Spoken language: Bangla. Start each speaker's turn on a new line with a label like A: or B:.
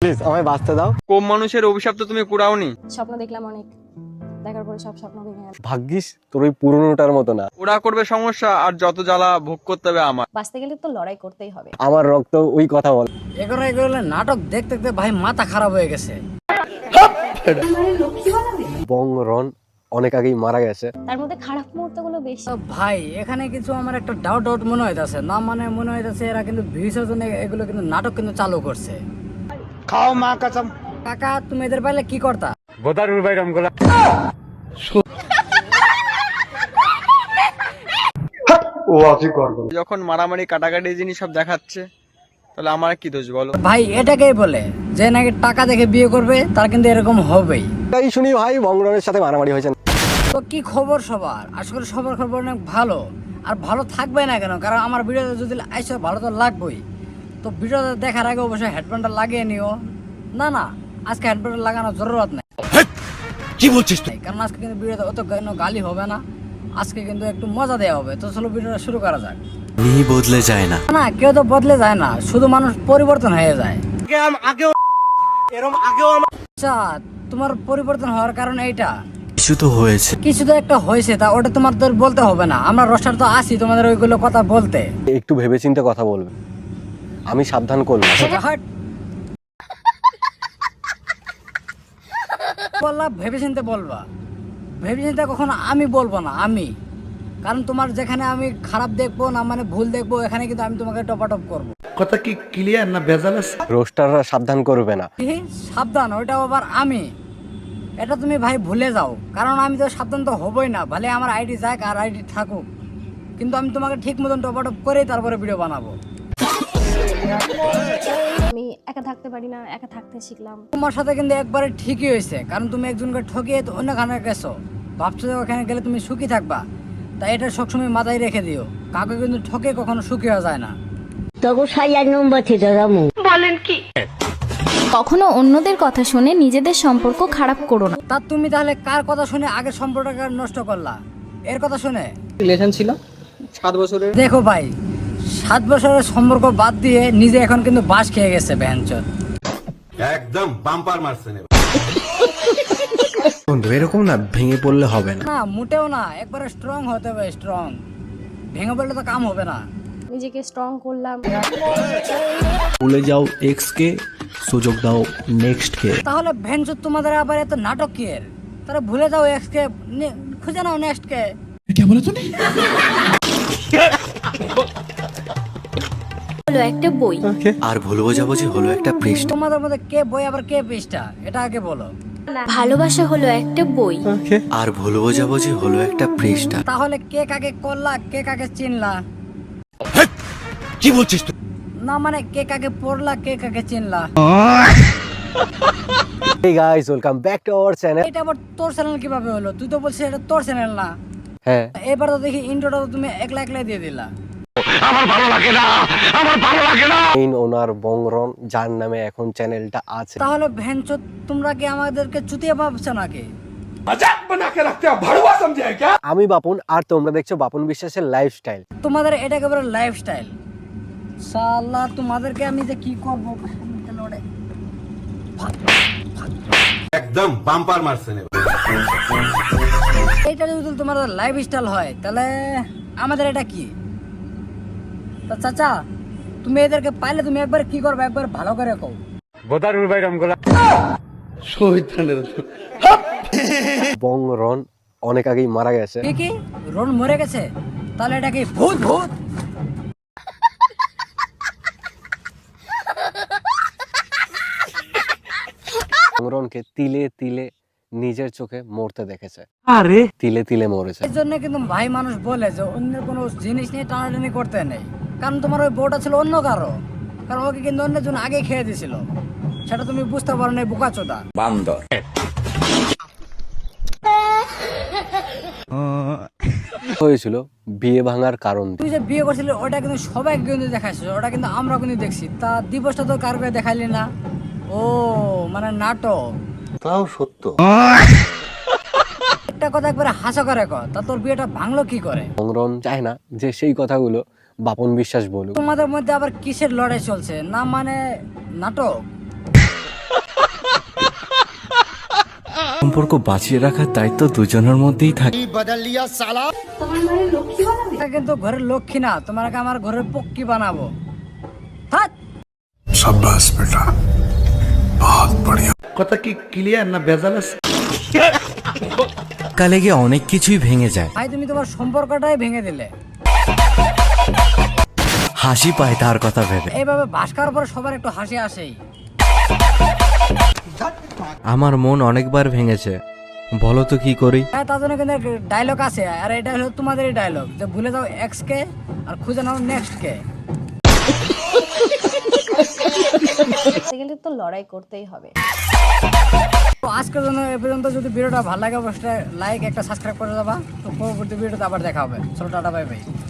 A: প্লিজ আমায় বাঁচতে দাও।
B: কোন মানুষের অভিশাপ তো তুমি কুড়াওনি?
C: স্বপ্ন দেখলাম অনেক, দেখার পরে সব স্বপ্ন ভেঙে গেল।
A: ভাগ্যিস তোর ওই পুরনোটার মতো না।
B: ওরা করবে সমস্যা আর যত জ্বালা ভোগ করতে হবে আমার।
C: বাঁচতে গেলে তো লড়াই করতেই হবে।
A: আমার রক্ত ওই কথা বল।
D: এগুলো নাটক দেখতে দেখতে ভাই মাথা খারাপ হয়ে গেছে।
A: বংরন অনেক আগেই মারা গেছে।
C: তার মধ্যে খারাপ মুহূর্তগুলো বেশি।
D: তো ভাই এখানে কিছু আমার একটা ডাউট মনে হইতাছে না, মানে মনে হইতাছে এরা কিন্তু ভিউসের জন্য এগুলো কিন্তু নাটক কিন্তু চালু করছে।
B: খাও মা কসম।
D: কাকা তুমি এদের পাইলে কি করতা?
B: গোদারুল ভাই রামগোলা। যখন মারামারি কাটাকাটি জিনিস সব দেখাচ্ছে তাহলে আমার কি দোষ বলো?
D: ভাই এটাকেই বলে যে নাকি টাকা দেখে বিয়ে করবে তার কিন্তু এরকম হবেই।
A: তাই শুনি ভাই বংরনের সাথে মারামারি হয়েছে।
D: তো কি খবর সবার? আসলে সবার খবর অনেক ভালো, আর ভালো থাকবে না কেন, কারণ আমার ভিডিওতে যদি আইসো ভালো তো লাগবেই। তো ভিডিওটা দেখার আগে অবশ্যই হেডফোনটা লাগিয়ে নিও। না আজকে হেডফোনটা লাগানোর জরুরত নাই।
A: কি বলছিস তুই?
D: কারণ আজকে কিন্তু ভিডিওতে অত গালি হবে না, আজকে কিন্তু একটু মজা দেওয়া হবে। তো চলো ভিডিওটা শুরু করা যাক।
E: বদলে যায় না,
D: না কেউ তো বদলে যায় না, শুধু মানুষ পরিবর্তন হয়ে যায়। আচ্ছা, তোমার পরিবর্তন হওয়ার কারণ এইটা?
E: কিছু তো হয়েছে,
D: কিছু তো একটা হয়েছে, তা ওটা তোমাদের বলতে হবে না। আমরা রোস্টার তো আছি তোমাদের ওইগুলো কথা বলতে।
A: একটু ভেবেচিন্তে কথা বলবে, আমি সাবধান করলাম।
D: হাট। বললা ভেবেচিন্তে বলবা, ভেবেচিন্তে কখনো আমি বলবো না আমি, কারণ তোমার যেখানে আমি খারাপ দেখবো না মানে ভুল দেখবো, এখানে কিন্তু আমি তোমাকে টপাটপ করবো।
F: কথা কি ক্লিয়ার না ভেজাল আছে?
A: রোস্টাররা সাবধান করবে না।
D: কি সাবধান? ওইটা আবার আমি? এটা তুমি ভাই ভুলে যাও, কারণ আমি তো সাবধান তো হবই না, ভালে আমার আইডি যাক আর আইডি থাকুক, কিন্তু আমি তোমাকে ঠিক মতন টপাটপ করেই তারপরে ভিডিও বানাবো।
C: আমি একা থাকতে পারি না, একা থাকতে শিখলাম।
D: তোমার সাথে কিন্তু একবারে ঠিকই হয়েছে, কারণ তুমি একজনকে ঠকিয়ে তো অন্যখানে গেছো, ভাবছো যে ওখানে গেলে তুমি সুখী থাকবা। তাই এটা সবসময় মাথায় রেখে দিও, কাউকে কিন্তু ঠকে কখনো সুখী হওয়া যায় না।
G: কখনো অন্যদের কথা শুনে নিজেদের সম্পর্ক খারাপ করো না।
D: তা তুমি তাহলে কার কথা শুনে আগের সম্পর্কটা নষ্ট করলা? এর কথা শুনে?
B: রিলেশন ছিল 7 বছরের।
D: দেখো ভাই, 7 বছরের সম্পর্ক বাদ দিয়ে নিজে এখন কিন্তু বাস খেয়ে গেছে ভ্যানচোদ।
F: একদম বাম্পার মারছেন।
E: বন্ধু এরকম না ভেঙে পড়লে হবে না।
D: না মোটেও না, একবারে স্ট্রং হতে হবে, স্ট্রং। ভেঙে পড়লে তো কাম হবে না।
C: নিজেকে স্ট্রং করলাম।
E: ভুলে যাও এক্স কে, সুযোগ দাও নেক্সট কে।
D: তাহলে ভ্যানচোদ তোমাদের আবার এত নাটক কি এর? তারা ভুলে যাও এক্স কে, খুঁজে নাও নেক্সট কে।
G: হলো একটা বই।
E: আর ভুলবো যাবো যে হলো একটা পৃষ্ঠা।
D: তোমাদের মধ্যে কে বই আবার কে পৃষ্ঠা, এটা আগে বলো।
G: ভালোবাসা হলো একটা বই।
E: আর ভুলবো যাবো যে হলো একটা পৃষ্ঠা।
D: তাহলে কে কাকে করলা, কে কাকে চিনলা?
E: কি বলছিস তুই?
D: না মানে কে কাকে পড়লা, কে কাকে চিনলা?
A: Hey guys, welcome back to our channel.
D: এটা আবার তোর চ্যানেল কিভাবে হলো? তুই তো বলছিস এটা তোর চ্যানেল না।
A: হ্যাঁ,
D: এবার তো দেখি ইন্ট্রোটা তো তুমি একলা দিয়ে দিলা।
A: মেইন ওনার বংরন, যার নামে এখন চ্যানেলটা আছে।
D: তাহলে ভ্যানচোদ তোমরা কি আমাদেরকে চুতিয়া ভাবছো নাকি?
A: আমি বাপন আর তোমরা দেখছো বাপন বিশ্বাসের লাইফস্টাইল।
D: তোমাদের এটা একেবারে লাইফস্টাইল। শালা তোমাদেরকে আমি যে কি করবো।
F: একদম বাম্পার মারছেন।
D: এটা যদি তোমার লাইফস্টাইল হয় তাহলে আমাদের এটা কি? তা চাচা তুমি এদেরকে পাইলে তুমি একবার কি করবে, একবার ভালো করে কও।
B: গোদারুল ভাই রামগোলা।
A: বংরন অনেক আগেই মারা গেছে।
D: কি রোন মরে গেছে? তাহলে এটা কি ভূত?
A: বংরনকে তিলে তিলে নিজের চোখে মরতে দেখেছে। তিলে তিলে মরেছে।
D: এই জন্য কিন্তু ভাই মানুষ বলে যে অন্যের কোনো জিনিস নিয়ে টানাটানি করতে নেই, কারণ তোমার ওই বউটা ছিল অন্য কারো, কারণ ওকে কিন্তু অন্যজন আগে খেয়ে দিয়েছিল, সেটা তুমি বুঝতে পারো না, বোকাচোদা বান্দর।
A: হয়েছিল বিয়ে ভাঙার কারণ।
D: তুই যে বিয়ে করছিলি ওটা কিন্তু সবাই কিন্তু দেখাইছিস, ওটা কিন্তু আমরা কিন্তু দেখছি। তা দিবসটা তো কারকে দেখাইলি না? ও মানে নাটক।
F: তাও সত্য।
D: একটা কথা একবারে হাস্যকর কর, তা তোর বিয়েটা ভাঙলো কি করে?
A: বংরন চায় না যে সেই কথাগুলো বাপন বিশ্বাস বলুক।
D: তোমাদের মধ্যে আবার কিসের লড়াই চলছে? না মানে নাটক?
E: সম্পর্ক বাঁচিয়ে রাখার দায়িত্ব দুজনের মধ্যেই থাকে।
D: এটা কিন্তু ঘরের লক্ষ্মী না, তোমাকে আমার ঘরের পক্ষী বানাবো। থাক।
F: কথা কি ক্লিয়ার না ভেজাল আছে?
E: কালে গিয়ে অনেক কিছুই ভেঙে যায়,
D: ভাই তুমি তোমার সম্পর্কটাই ভেঙে দিলে।
E: হাসি পায় তার কথা ভেবে।
D: এইভাবে বাস করার পরে সবার একটু হাসি আসেই।
E: আমার মন অনেকবার ভেঙেছে, বলো তো কি করি?
D: হ্যাঁ, তার জন্য কিন্তু ডায়লগ আছে, আর এটা হলো তোমাদেরই ডায়লগ, যে ভুলে যাও এক্স কে আর খুঁজে নাও নেক্সট কে।
C: করতে গেলে তো লড়াই করতেই হবে।
D: তো আজকের জন্য এ পর্যন্ত। যদি ভিডিওটা ভালো লাগে অবশ্যই লাইক, একটা সাবস্ক্রাইব করে দেবা। তো পরবর্তী ভিডিওতে আবার দেখা হবে। চলো টাটা, বাই বাই।